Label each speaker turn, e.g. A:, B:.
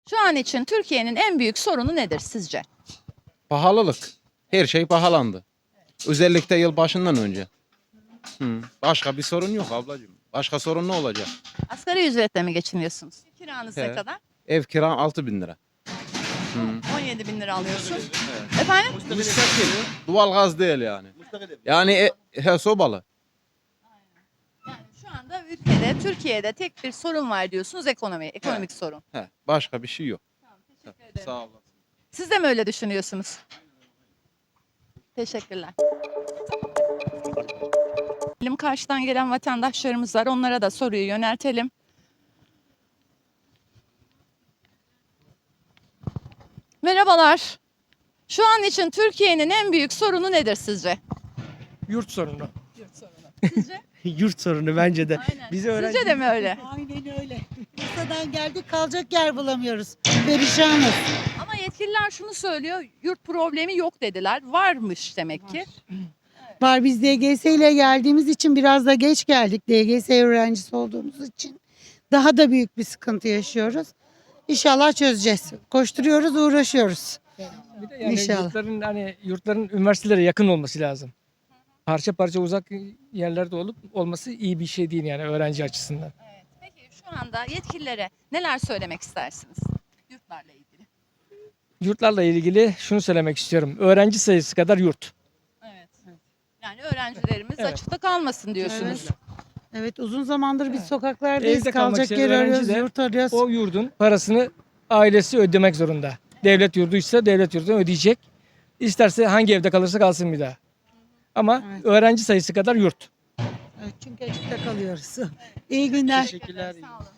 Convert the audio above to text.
A: Şu an için Türkiye'nin en büyük sorunu nedir sizce?
B: Pahalılık. Her şey pahalandı. Özellikle yıl başından önce. Başka bir sorun yok ablacığım. Başka sorun ne olacak?
A: Asgari ücretle mi geçiniyorsunuz? Kiranız ne
B: He.
A: kadar?
B: Ev kira 6.000 lira.
A: 17 bin lira alıyorsun. Efendim?
B: Müstakil. Doğal gaz değil yani. Yani sobalı.
A: Yani şu anda ülkede, Türkiye'de tek bir sorun var diyorsunuz, ekonomik sorun.
B: Başka bir şey yok.
A: Teşekkür ederim.
B: Sağ olun.
A: Siz de mi öyle düşünüyorsunuz? Teşekkürler. Karşıdan gelen vatandaşlarımız var. Onlara da soruyu yöneltelim. Merhabalar. Şu an için Türkiye'nin en büyük sorunu nedir sizce?
C: Yurt sorunu.
A: Sizce?
C: Yurt sorunu bence de.
A: Aynen.
C: Bizi öğrenci...
A: Sizce de mi öyle?
D: Aynen öyle. Bursa'dan geldik kalacak yer bulamıyoruz. Perişanız.
A: Ama yetkililer şunu söylüyor. Yurt problemi yok dediler. Varmış demek ki.
D: Var biz DGS ile geldiğimiz için biraz da geç geldik. DGS öğrencisi olduğumuz için daha da büyük bir sıkıntı yaşıyoruz. İnşallah çözeceğiz. Koşturuyoruz, uğraşıyoruz.
C: Bir de yani
D: İnşallah.
C: yurtların üniversitelere yakın olması lazım. Parça parça uzak yerlerde olması iyi bir şey değil yani öğrenci açısından.
A: Evet. Peki şu anda yetkililere neler söylemek istersiniz? Yurtlarla ilgili.
C: Yurtlarla ilgili şunu söylemek istiyorum. Öğrenci sayısı kadar yurt.
A: Evet. Yani öğrencilerimiz
C: Evet.
A: açıkta kalmasın diyorsunuz.
D: Evet uzun zamandır biz sokaklardayız.
C: Evde kalmak
D: Kalacak
C: isteyen
D: yer
C: öğrenci
D: arıyoruz,
C: de
D: yurt arıyoruz.
C: O yurdun parasını ailesi ödemek zorunda. Devlet yurduysa devlet yurdunu ödeyecek. İsterse hangi evde kalırsa kalsın bir daha. Ama
D: Evet.
C: öğrenci sayısı kadar yurt.
D: Evet, çünkü açıkta kalıyoruz. İyi günler.
C: Teşekkürler.
A: Sağ olun.